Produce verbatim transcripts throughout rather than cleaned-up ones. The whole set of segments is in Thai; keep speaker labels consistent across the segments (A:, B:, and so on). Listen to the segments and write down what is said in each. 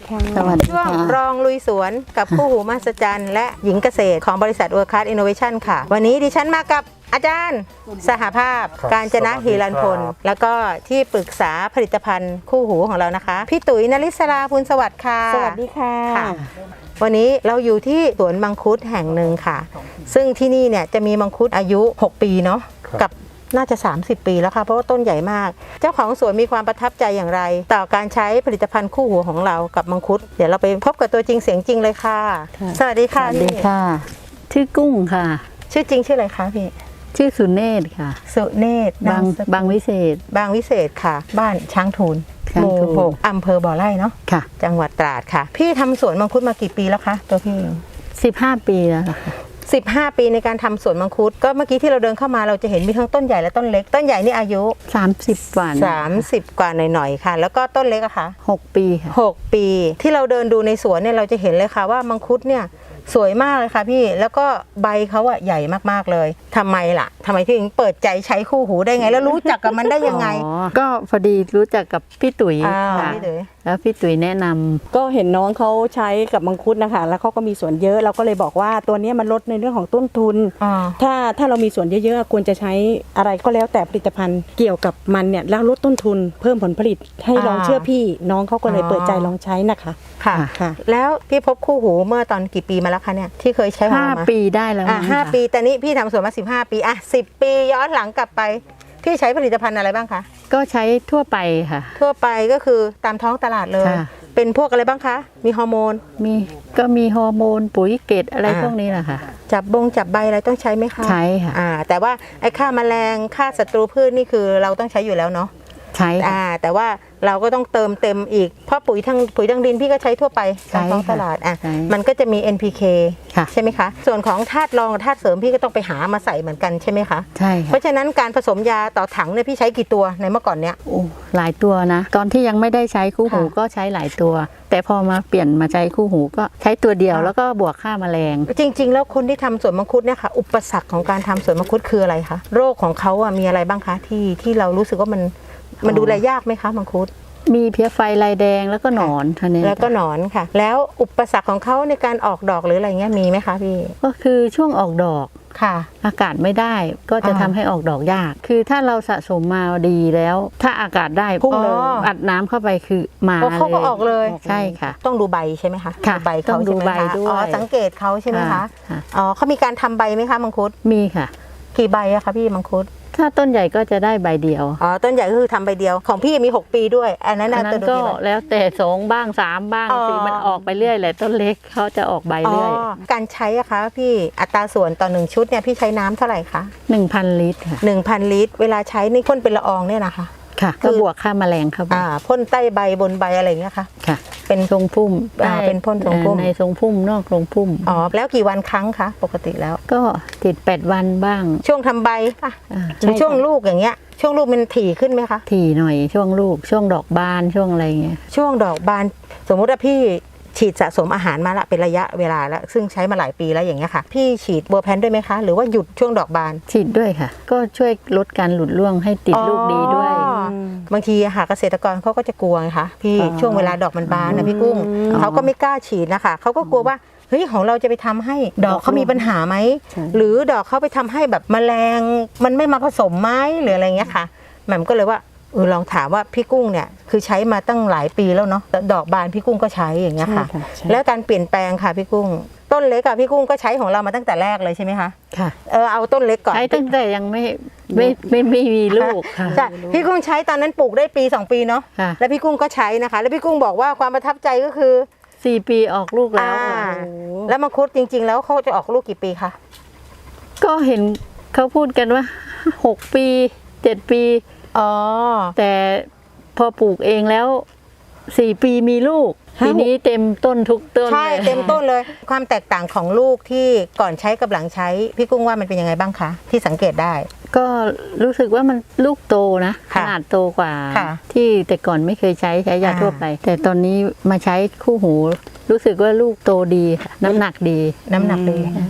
A: ค่ะสวัสดีค่ะช่วงรองลุยสวนกับคู่หูมหัศจรรย์และหญิงเกษตรของบริษัทเวิร์คคลาสอินโนเวชั่นค่ะวันนี้ดิฉันมากับอาจารย์สหภาพการจนะฮีรันพลแล้วก็ที่ปรึกษาผลิตภัณฑ์คู่หูของเรานะคะพี่ตุ๋ยนฤศราพูลสวัสดิ์ค่ะ
B: สวัสดีค่ะ
A: วันนี้เราอยู่ที่สวนมังคุดแห่งหนึ่งค่ะซึ่งที่นี่เนี่ยจะมีมังคุดอายุหกปีเนาะกับน่าจะสามสิบปีแล้วค่ะเพราะว่าต้นใหญ่มากเจ้าของสวนมีความประทับใจอย่างไรต่อการใช้ผลิตภัณฑ์คู่หูของเรากับมังคุดเดี๋ยวเราไปพบกับตัวจริงเสียงจริงเลยค่ะสวัสดีค่ะ
B: สวัสดีค่ะชื่อกุ้งค่ะ
A: ชื่อจริงชื่ออะไรคะพี่
B: ชื่อสุเนศค่ะ
A: สุเนศ
B: บางบางวิเศษ
A: บางวิเศษค่ะบ้านช้างทูลหมู่หกอำเภอบ่อไร่เนาะ
B: ค่ะ
A: จังหวัดตราดค่ะพี่ทำสวนมังคุดมากี่ปีแล้วคะตัวพี่
B: สิบห้าปีแล้วค่ะ
A: สิบห้าปีในการทำสวนมังคุดก็เมื่อกี้ที่เราเดินเข้ามาเราจะเห็นมีทั้งต้นใหญ่และต้นเล็กต้นใหญ่นี่อายุ
B: สามสิบกว่า
A: สามสิบกว่าหน่อยๆค่ะแล้วก็ต้นเล็กอะค่ะ
B: หกปีค่ะ
A: หกปีที่เราเดินดูในสวนเนี่ยเราจะเห็นเลยค่ะว่ามังคุดเนี่ยสวยมากเลยค่ะพี่แล้วก็ใบเขาอะใหญ่มากๆเลยทำไมล่ะทำไมถึงเปิดใจใช้คู่หูได้ไงแล้วรู้จักกับมันได้ยังไง
B: ก็พอดีรู้จักกับพี่ตุ๋ยค่ะแล้วพี่ตุ๋ยแนะนำ
C: ก็เห็นน้องเขาใช้กับมังคุดนะคะแล้วเขาก็มีสวนเยอะเราก็เลยบอกว่าตัวนี้มันลดในเรื่องของต้นทุนถ้าถ้าเรามีสวนเยอะๆควรจะใช้อะไรก็แล้วแต่ผลิตภัณฑ์เกี่ยวกับมันเนี่ยแล้วลดต้นทุนเพิ่มผลผลิตให้ลองเชื่อพี่น้องเขาก็เลยเปิดใจลองใช้นะคะ
A: ค่ะค่ะแล้วพี่พบคู่หูเมื่อตอนกี่ปีมาแล้วคะเนี่ยที่เคยใช้
B: ห้าปีได้แล้ว
A: อ่ะห้าปีแต่นี้พี่ทำสวนมาสิบห้าปีอ่ะสิบปีย้อนหลังกลับไปพี่ใช้ผลิตภัณฑ์อะไรบ้างคะ
B: ก็ใช้ทั่วไปค่ะ
A: ทั่วไปก็คือตามท้องตลาดเลยเป็นพวกอะไรบ้างคะมีฮอร์โมน
B: มีก็มีฮอร์โมนปุ๋ยเกตอะไรพวกนี้แหละค่ะ
A: จับบงจับใบอะไรต้องใช้ไหมคะ
B: ใช้ค่ะ
A: อ่าแต่ว่าไอ้ฆ่าแมลงฆ่าศัตรูพืชนี่คือเราต้องใช้อยู่แล้วเนาะ
B: ใช่
A: อ่าแต่ว่าเราก็ต้องเติมเต็มอีกเพราะปุ๋ยทางปุ๋ยทางดินพี่ก็ใช้ทั่วไปตามท้องตลาดอ่ะมันก็จะมี เอ็น พี เค ใช่ไหมคะส่วนของธาตุรองธาตุเสริมพี่ก็ต้องไปหามาใส่เหมือนกันใช่ไหมคะ
B: ใช่
A: เพราะฉะนั้นการผสมยาต่อถังเนี่ยพี่ใช้กี่ตัวในเมื่อก่อนเนี้ย
B: โอ้หลายตัวนะตอนที่ยังไม่ได้ใช้คู่หูก็ใช้หลายตัวแต่พอมาเปลี่ยนมาใช้คู่หูก็ใช้ตัวเดียวแล้วก็บวกค่าแมลง
A: จริงๆแล้วคนที่ทำสวนมังคุดเนี่ยค่ะอุปสรรคของการทำสวนมังคุดคืออะไรคะโรคของเขาอ่ะมีอะไรบ้างคะที่ที่เรารู้สึกว่ามันมันดูแลยากไหมคะมังคุด
B: มีเพี้ยไฟลายแดงแล้วก็หนอนท่านี้
A: แล้วก็หนอนค่ะแล้วอุปสรรคของเขาในการออกดอกหรืออะไรเงี้ยมีไหมคะพี่
B: ก็คือช่วงออกดอก
A: ค่ะ
B: อากาศไม่ได้ก็จะทำให้ออกดอกยากคือถ้าเราสะสมมาดีแล้วถ้าอากาศได้พุ่งเลยอัดน้ำเข้าไปคือมาเลย
A: เขาก็ออกเลย
B: ใช่ค่ะ
A: ต้องดูใบใช่ไหมคะ
B: ใบเขาดูใบด้วย
A: อ๋อสังเกตเขาใช่ไหมคะอ๋อเขามีการทำใบไหมคะมังคุด
B: มีค่ะ
A: กี่ใบอะคะพี่มังคุด
B: ถ้าต้นใหญ่ก็จะได้ใบเดียว
A: อ๋อต้นใหญ่ก็คือทำใบเดียวของพี่มีหกปีด้วยอันนั้น
B: อันนั้นก็แล้วแต่สองบ้างสามบ้างสี่มันออกไปเรื่อยแหละต้นเล็กเขาจะออกใบเรื่อย
A: การใช้อะคะพี่อัตราส่วนต่อหนึ่งชุดเนี่ยพี่ใช้น้ำเท่าไหร่คะ
B: หนึ่งพันลิตรค่ะ
A: หนึ่งพันลิตรเวลาใช้นี่พ่นเป็นละอองเนี่ยนะคะ
B: ค่ะก็บวกค่าแมลงครับ
A: อ่าพ่นใต้ใบบนใบอะไรเงี้ยค่ะ
B: ค่ะ
A: เป็น
B: ทรงพุ่ม
A: อ่าเป็นพ่นทรงพุ่ม
B: ในทรงพุ่มนอกทรงพุ่ม
A: อ๋อแล้วกี่วันครั้งคะปกติแล้ว
B: ก็ติดแปดวันบ้าง
A: ช่วงทำใบค่ะช่วงลูกอย่างเงี้ยช่วงลูกมันถี่ขึ้นไหมคะ
B: ถี่หน่อยช่วงลูกช่วงดอกบานช่วงอะไรเงี้ย
A: ช่วงดอกบานสมมติว่าพี่ฉีดสะสมอาหารมาละเป็นระยะเวลาแล้วซึ่งใช้มาหลายปีแล้วอย่างเงี้ยค่ะพี่ฉีดเบอร์แพนด้วยไหมคะหรือว่าหยุดช่วงดอกบาน
B: ฉีดด้วยค่ะก็ช่วยลดการหลุดร่วงให้ติดลูกดีด้วย
A: บางทีค่ะเกษตรกรเขาก็จะกลัวไงคะพี่ช่วงเวลาดอกมันบานนะพี่กุ้งเขาก็ไม่กล้าฉีดนะคะเขาก็กลัวว่าเฮ้ยของเราจะไปทำให้ดอกเขามีปัญหาไหมหรือดอกเขาไปทำให้แบบแมลงมันไม่มาผสมไหมหรืออะไรเงี้ยค่ะแหม่มก็เลยว่าเออลองถามว่าพี่กุ้งเนี่ยคือใช้มาตั้งหลายปีแล้วเนาะดอกบานพี่กุ้งก็ใช้อย่างเงี้ยค่ะแล้วการเปลี่ยนแปลงค่ะพี่กุ้งต้นเล็กอะพี่กุ้งก็ใช้ของเรามาตั้งแต่แรกเลยใช่ไหมคะ
B: ค่ะ
A: เออเอาต้นเล็กก่อน
B: ใช้ตั้งแต่ยังไม่ไม่ไม่ไม่มีลูกค่ะ
A: ใช่พี่กุ้งใช้ตอนนั้นปลูกได้ปีสองปีเนาะแล้วพี่กุ้งก็ใช้นะคะแล้วพี่กุ้งบอกว่าความประทับใจก็คือ
B: สี่ปีออกลูกแล้ว
A: แล้วมังคุดจริงๆแล้วเขาจะออกลูกกี่ปีคะ
B: ก็เห็นเขาพูดกันว่าหกปีเจ็ดปี
A: อ๋อ
B: แต่พอปลูกเองแล้วสี่ปีมีลูกปีนี้เต็มต้นทุกต้น
A: ใช่เต็มต้นเลยความแตกต่างของลูกที่ก่อนใช้กับหลังใช้พี่กุ้งว่ามันเป็นยังไงบ้างคะที่สังเกตได้
B: ก็รู้สึกว่ามันลูกโตนะขนาดโตกว่าที่แต่ก่อนไม่เคยใช้ใช้ยาทั่วไปแต่ตอนนี้มาใช้คู่หูรู้สึกว่าลูกโตดีน้ำหนักดี
A: น้ำหนักดี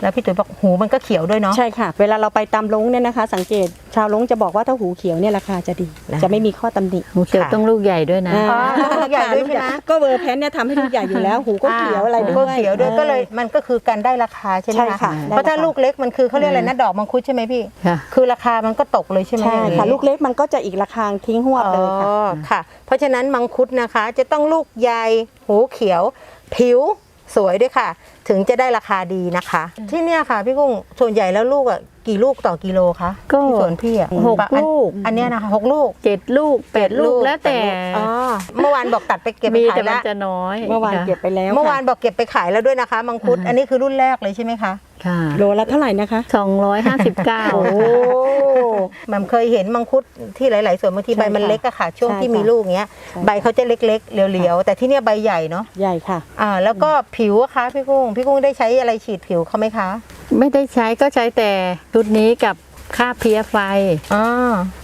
A: แล้วพี่ตุ๋ยบอกหูมันก็เขียวด้วยเนาะ
C: ใช่ค่ะ เวลาเราไปตามลงเนี่ยนะคะ สังเกตชาวลงจะบอกว่าถ้าหูเขียวเนี่ยราคาจะดี
A: นะ
C: จะไม่มีข้อตำหนิ
B: หูเขียว
A: ค่ะ
B: ต้องลูกใหญ่ด้วยนะ
A: อ๋อลูกใหญ่ด้วยใช่ไหม
C: ก็เวอร์แพนเนี่ยทำให้ลูกใหญ่อยู่แล้ว หูก็เขียวอะไร
A: หู
C: ด้
A: ก็
C: วย
A: เขียวด้วยก็เลยมันก็คือการได้ราคาใช่ไหม
C: ใช่ค่ะ
A: เพราะถ้าลูกเล็กมันคือเขาเรียกอะไรนะดอกมังคุดใช่ไหมพี่
B: ค่ะ
A: คือราคามันก็ตกเลยใช่ไหม
C: ใช่
A: อย่างนี้
C: ค่ะ ลูกเล็กมันก็จะอีกราคาทิ้งหัวบเลยค่ะ
A: อ๋อค่ะ เพราะฉะนั้นมังคุดนะคะ จะต้องลูกใหญ่หูเขียว ผิวสวยด้วยค่ะ ถึงจะได้ราคาดีนะคะ ที่เนี่ยค่ะพี่กุ้งส่วนใหญ่แล้วลูกอ่ะกี่ลูกต่อกิโลคะ
B: ก็
A: ที่สวนพี่อ่ะ
B: หก
A: อัน
B: ลูก
A: อันเนี้ยนะคะหกลูก
B: เจ็ดลูกแปดลูกแล้วแต่
A: อ๋อเมื่อวานบอกตัดไปเก็บไป
B: มี
A: ขา
B: แต่
A: ย
B: มัน
A: แล้ว
B: จะน้อย
C: เมื่อวาน
B: ค่ะ
C: เก็บไปแล้ว
A: เมื่อวาน
C: ค่ะ
A: บอกเก็บไปขายแล้วด้วยนะคะมังคุด
B: อ่าฮะ
A: อันนี้คือรุ่นแรกเลยใช่ไหมคะ
B: ค่ะ
C: โลละเท่าไหร่นะคะ
B: สองร้อยห้าสิบเก้า
A: โอ้แหม่มเคยเห็นมังคุดที่หลายๆสวนบางที
C: ใช่
A: ใบมัน
C: ค่ะ
A: เล็กอะค่ะ ช่วง
C: ใช่
A: ที่
C: ค่ะ
A: มีลูกเงี้ย
C: ใช่
A: ใบเขาจะเล็กๆเรียวๆแต่ที่เนี่ยใบใหญ่เนาะ
C: ใหญ่ค่ะ
A: อ่าแล้วก็ผิวอะคะพี่กุ้งพี่กุ้งได้ใช้อะไรฉีดผิวเขาไหมคะ
B: ไม่ได้ใช้ก็ใช้แต่ชุดนี้กับค่าเพลี้ยไฟ
A: อ๋อบ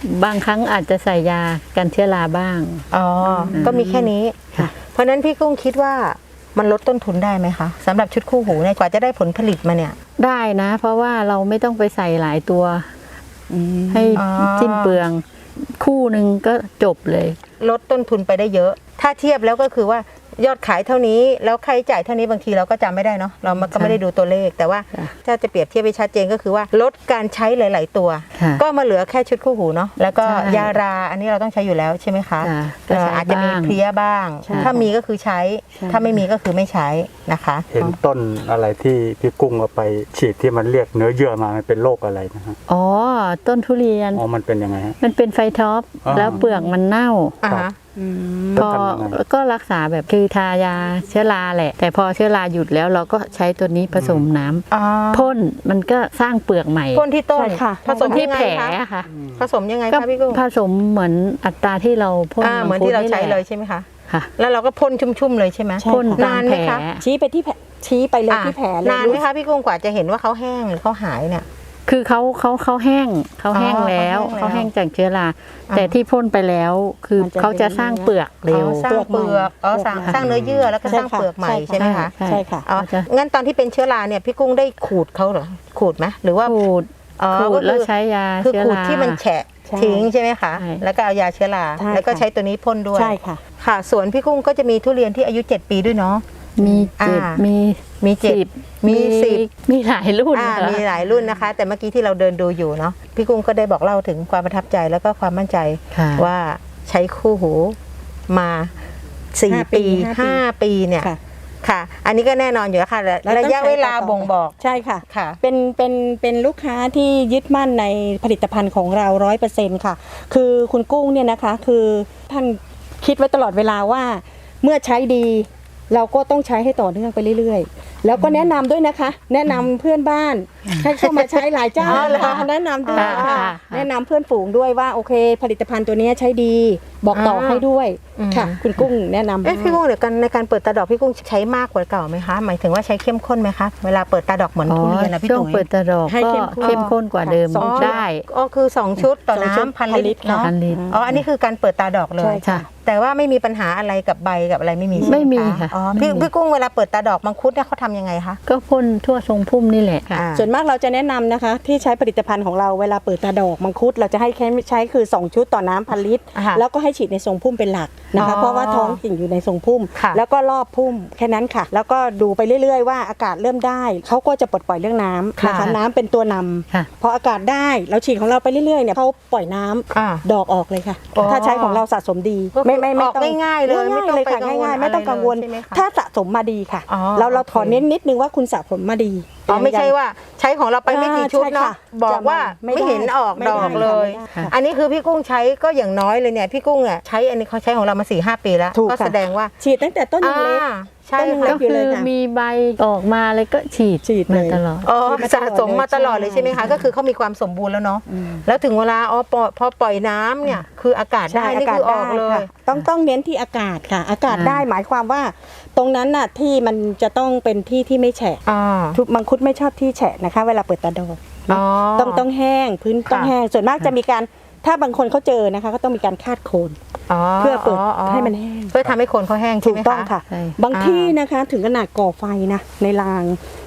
B: างครั้งอาจจะใส่ยากันเชื้อราบ้าง
A: อ๋อก็มีแค่นี้
B: ค่ะ
A: เพราะฉะนั้นพี่กุ้งคิดว่ามันลดต้นทุนได้ไหมคะสำหรับชุดคู่หูเนี่ยกว่าจะได้ผลผลิตมาเนี่ย
B: ได้นะ เพราะว่าเราไม่ต้องไปใส่หลายตัว ให้
A: อ๋อ
B: สิ้นเปลือง คู่หนึ่งก็จบเลย
A: ลดต้นทุนไปได้เยอะ ถ้าเทียบแล้วก็คือว่ายอดขายเท่านี้แล้วค่าใช้จ่ายเท่านี้บางทีเราก็จำไม่ได้เนาะเรามันก็ไม่ได้ดูตัวเลข แต่ว่า
B: ค่ะ
A: ถ้าจะเปรียบเทียบให้ชัดเจนก็คือว่าลดการใช้หลาย ๆ ตัว
B: ค่ะ
A: ก็มาเหลือแค่ชุดคู่หูเนาะแล้วก็
B: ใช่
A: ยาราอันนี้เราต้องใช้อยู่แล้วใช่ไหมคะ
B: ค่ะก็
A: เอ่อ
B: ใช้
A: อาจจะมี
B: บ้าง
A: เพลี้ยบ้าง
C: ใช่
A: ถ้ามีก็คือใช้
C: ใช่
A: ถ้าไม่มีก็คือไม่ใช้นะคะ
D: เห็นต้นอะไรที่พี่กุ้งเอาไปฉีดที่มันเรียกเนื้อเยื่อมามันเป็นโรคอะไรนะฮะ
B: อ๋อ ต้นทุเรียน
D: อ๋อมันเป็นยังไงฮะ
B: มันเป็นไฟท็อป
D: อ๋อ
B: แล้วเปลือกมันเน่า
A: อ่า
D: ครั
A: ฮะ
D: บ
C: อืม
B: พอ
D: แล้วทำยังไง
B: ก็รักษาแบบคือทายาเชื้อราแหละ แต่พอเชื้อราหยุดแล้วเราก็ใช้ตัวนี้ผสมน้ำ
A: อ๋อ
B: พ่นมันก็สร้างเปลือกใหม่
A: พ่นที่ต้น
C: ใช่ค่ะ
A: ผสม
B: ที่
A: ยังไง
B: แผล
A: คะ
B: ค่ะ
A: ผสมยังไง
B: ก็
A: คะพี่กุ้ง
B: ผสมเหมือนอัตราที่เราพ่น
A: อ่าเหมือนที่เราใช้เลย
B: แหะ
A: ใช่ไหมคะ
B: ค่ะ
A: แล้วเราก็พ่นชุ่มๆเลยใช่ไหม
C: ใช่
B: พ่น
C: ค่ะ
B: ตาม
A: นาน
B: แผ
A: ไหม
B: ล
A: คะ
C: ชี้ไปที่แผลชี้ไปเลย
A: อ่ะ
C: ที่แผลเลย
A: นานไหมคะพี่กุ้งกว่าจะเห็นว่าเขาแห้งหรือเขาหายเนี่ย
B: คือเขาเขาเขาแห้งเขาแห้ง
A: อ๋อ
B: แล้ว
A: เขา
B: เขา
A: แห้
B: แห้
A: ง
B: ง
A: แล้ว
B: จากเชื้อรา
A: อ่า
B: แต่ที่พ่นไปแล้วคือ
C: มันจะ
B: เขาจะสร้างเปลือกเร็ว
A: อ๋อสร้างเปลือกอ๋อสร้างสร้างเนื้อเยื่อแล้วก็สร้างเปลือกใหม่ใช่ไหมคะ
B: ใช่
C: ใช่ค่ะ
A: อ๋อ
B: เขาจะ
A: งั้นตอนที่เป็นเชื้อราเนี่ยพี่กุ้งได้ขูดเขาเหรอขูดไหมหรือว่า
B: ขูด
A: อ๋อ
B: ขู
A: ก็
B: ดแล้ว
A: คือ
B: ใช้ยา
A: คือ
B: เชื้อ
A: ขูด
B: รา
A: ที่มันแฉะ
C: ใช่
A: ทิ้งใช่ไหมคะ
B: ใช่
A: แล้วก็เอายาเชื้อรา
C: ใช่
A: แล้วก็
C: ค่ะ
A: ใช้ตัวนี้พ่นด้วย
C: ใช่ค่ะ
A: ค่ะสวนพี่กุ้งก็จะมีทุเรียนที่อายุเจ็ดปีด้วยเนาะ
B: มีเจ็ด
A: อ่ามี
B: มี
A: มีเจ็ด
B: สิบ
A: มีสิบ
B: มีหลายรุ่น
A: อ่า
B: ค่ะ
A: มีหลายรุ่นนะคะ แต่เมื่อกี้ที่เราเดินดูอยู่เนาะพี่กุ้งก็ได้บอกเล่าถึงความประทับใจแล้วก็ความมั่นใจ
B: ค่ะ
A: ว่าใช้คู่หูมาสี่
C: ห้าปี
A: ปีห้าปีเนี่ย
C: ค่ะ
A: ค่ะ อันนี้ก็แน่นอนอยู่แล้วค่ะ
C: แล้
A: ระ
C: ต้อง
A: ยะเวลา
C: ใช้ต่
A: บ่งบอก
C: ใช่ค่ะ
A: ค่ะ
C: เป็นเป็นเป็นลูกค้าที่ยึดมั่นในผลิตภัณฑ์ของเราร้อยเปอร์เซ็นต์ค่ะ คือคุณกุ้งเนี่ยนะคะ คือท่านคิดไว้ตลอดเวลาว่าเมื่อใช้ดี เราก็ต้องใช้ให้ต่อเนื่องไปเรื่อยๆ แล้วก็แนะนำด้วยนะคะ แนะนำเพื่อนบ้านให้เข้ามาใช้หลายเจ้า
A: อ๋อเหรอ
C: แนะนำด้วย
B: ค่ะ
C: ค่ะ
B: ค่ะ
C: แนะนำเพื่อนฝูงด้วยว่าโอเค ผลิตภัณฑ์ตัวนี้ใช้ดี บอกต่อให้ด้วย
A: อืม
C: ค่ะ คุณกุ้งแนะนำ
A: เอ๊ะพี่กุ้งเดี๋ยวกันในการเปิดตาดอกพี่กุ้งใช้มากกว่าเก่าไหมคะหมายถึงว่าใช้เข้มข้นไหมคะเวลาเปิดตาดอกเหมือน
B: อ๋อ
A: ทุเรียนนะพี่
B: ช่วง
A: ตุ๋ย
B: เปิดตะดอก
C: ให้
B: ก็
C: เข้มข้น
B: เข้มข้นกว่าเดิม
C: สองชุด
B: ได้
A: อ๋อคือสองชุดต่อ
C: สองชุด
A: น้ำพัน
C: พันลิ
A: ลิ
C: ต
A: ต
C: ร
A: รเนาะ
B: พันลิตร
A: อ๋ออันนี้คือการเปิดตาดอกเลย
C: ใช่ค่ะ
A: แต่ว่าไม่มีปัญหาอะไรกับใบกับอะไรไม่มีใช่ไหม
B: ไม่มี
A: คะ
B: ค่ะ
A: อ๋อ
B: ไม่
A: พี่
B: มี
A: พี่กุ้งเวลาเปิดตาดอกมังคุดเนี่ยเขาทำยังไงคะ
B: ก็พ่นทั่วทรงพุ่มนี่แหละค่ะ
A: อ่า
C: ส่วนมากเราจะแนะนำนะคะ ที่ใช้ผลิตภัณฑ์ของเราเวลาเปิดตาดอกมังคุดเราจะให้แค่ใช้คือ สอง ชุดต่อน้ำพันลิตร
A: อ่าฮะ
C: แล้วก็ให้ฉีดในทรงพุ่มเป็นหลักนะคะ
A: อ๋อ
C: เพราะว่าท้องกิ่งอยู่ในทรงพุ่ม
A: ค่ะ
C: แล้วก็รอบพุ่มแค่นั้นค่ะ แล้วก็ดูไปเรื่อยๆว่าอากาศเริ่มได้เขาก็จะปลดปล่อยเรื่องน้ำนะคะ
A: ค่ะ
C: น้ำเป็นตัวนำ
B: ค่ะ
C: พออากาศได้เราฉีดของเราไปเรื่อยๆเนี่ยเขาปล่อยน้ำ
A: อ่า
C: ดอกออกเลยค่ะ
A: อ๋อ
C: ถ้าใช้ของเราสะสมดี
A: ก็คือ
C: ไม่ไม่ไม่ต้อง
A: ออกง่ายๆเลยไม่
C: ง่าย
A: ต้อง
C: ๆเลย
A: ไป
C: ค่ะ
A: กังวล
C: ง่ายๆ ไม่ต้องกังวล
A: อะไรเลยใช่ไหมคะ
C: ถ้าสะสมมาดีค่ะ
A: อ๋อ
C: เราเรา
A: โอเค
C: ขอเน้นนิดนึงว่าคุณสะสมมาดี
A: อ๋อไม่ใช่ว่าใช้ของเราไปไม่กี่ชุดเนาะ
C: อ่าใช่ค่ะ
A: บอกว่า
C: จะไม่
A: ไม่เห็นออก
C: ไม่
A: ด
C: ได้
A: อกเลย
C: ไม่ได้ค่ะ
A: อันนี้คือพี่กุ้งใช้ก็อย่างน้อยเลยเนี่ยพี่กุ้งอ่ะใช้อันนี้เขาใช้ของเรามาสี่ห้าปีแล้ว
C: ถูก
A: ก็
C: ค่ะ
A: แสดงว่า
C: ฉีดตั้งแต่ต้นยังเล็ก
A: อ่าใช่
C: ต้นยังเล็
A: ค่ะ
B: ก็คือมีใบออกมาเลยก็ฉีด
C: ฉีดเลย
B: มาตลอด
A: อ๋อ
C: ฉีดมาตลอด
A: สะสมมาตลอดเลยใช่ไหมคะ
C: ใช่
A: ก็คือเขามีความสมบูรณ์แล้วเนาะ
C: อืม
A: แล้วถึงเวลาอ๋อปล่อยพอปล่อยน้ำเนี่ยคืออากาศได้นี่คือออกเลย
C: ค่ะต้องต้องเน้นที่อากาศค่ะ อากาศ
B: อ่า
C: ได้หมายความว่า ตรงนั้นน่ะที่มันจะต้องเป็นที่ที่ไม่แฉะ
A: อ่า
C: ทุกมังคุดไม่ชอบที่แฉะนะคะ เวลาเปิดตาดอก
A: อ๋อ
C: ต้องต้องแห้งพื้นต้อง
A: ค่ะ
C: แห้งส่วนมากจะมีการถ้าบางคนเขาเจอนะคะ ก็ต้องมีการคาดโคน
A: อ๋อ
C: เพื่อเปิดให้มันแห้ง
A: เพื่อทำให้โคนเขาแห้งใช่
C: ถู
A: ไห
C: ก
A: ม
C: ต้อง
A: คะ
C: ค่ะ
B: ใช่
C: บางที่นะคะถึงขนาดก่อไฟนะในราง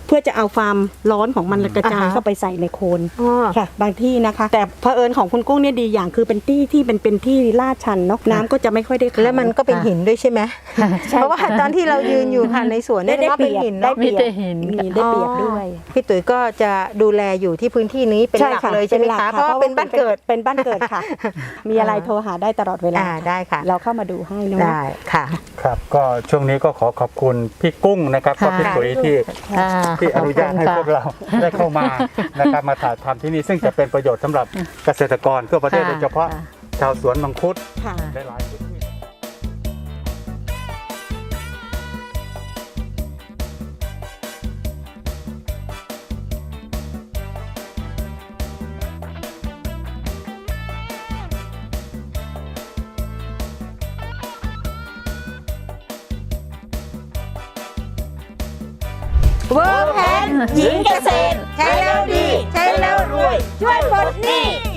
C: เพื่อจะเอาความร้อนของมันกระจาย
A: อ่าฮะ
C: เข้าไปใส่ในโคน
A: อ๋อ
C: ค่ะ บางที่นะคะ แต่เผอิญของคุณกุ้งเนี่ยดีอย่างคือเป็นที่ที่เป็นเป็นที่ลาดชันเนาะน้ำก็จะไม่ค่อยได้ขัง
A: แล้วมันก็เป็นหินด้วยใช่ไหมเพราะว่าตอนที่เรายืนอยู่ค่ะในสวนเนี่ย
C: ได้
A: ก็
C: เป
A: เป็น
C: รียบ
A: หิน
C: ได้
A: เนาะ
C: เปรียบ
B: มีแต่หิน
C: มีได้เปรียบด้วย
A: พี่ตุ๋ยก็จะดูแลอยู่ที่พื้นที่นี้เป็น
C: ใช่
A: หลัก
C: ค่ะ
A: เลยใช่ไหม
C: ป็นลัก
A: คะเพราะว่าเป็นบ้านเกิด
C: เป็นบ้านเกิดค่ะ มีอะไรโทรหาได้ตลอดเวลา
A: อ่าได้ค่ะ
C: เราเข้ามาดูให้เนาะ
A: ได้ค่ะ
D: ครับก็ช่วงนี้ก็ขอขอบคุณพี่กุ้งนะครับก็
B: ค่ะ
D: พี่ตุ๋ยที่
B: ค่ะ
D: ที่อนุญาตให้พวกเราได้เข้ามานะครับมาถ่ายทำที่นี่ซึ่งจะเป็นประโยชน์สำหรับเกษตรกรทั่วประเทศ
B: ค่ะ
D: โดยเฉพาะ
B: ค่ะ
D: ชาวสวนมังคุด
C: ค่ะ
D: หลายๆพื้นที่
A: เวิร์กแพนหญิงเกษตรใช้แล้วดี ใช้แล้วรวย ช่วยปลดหนี้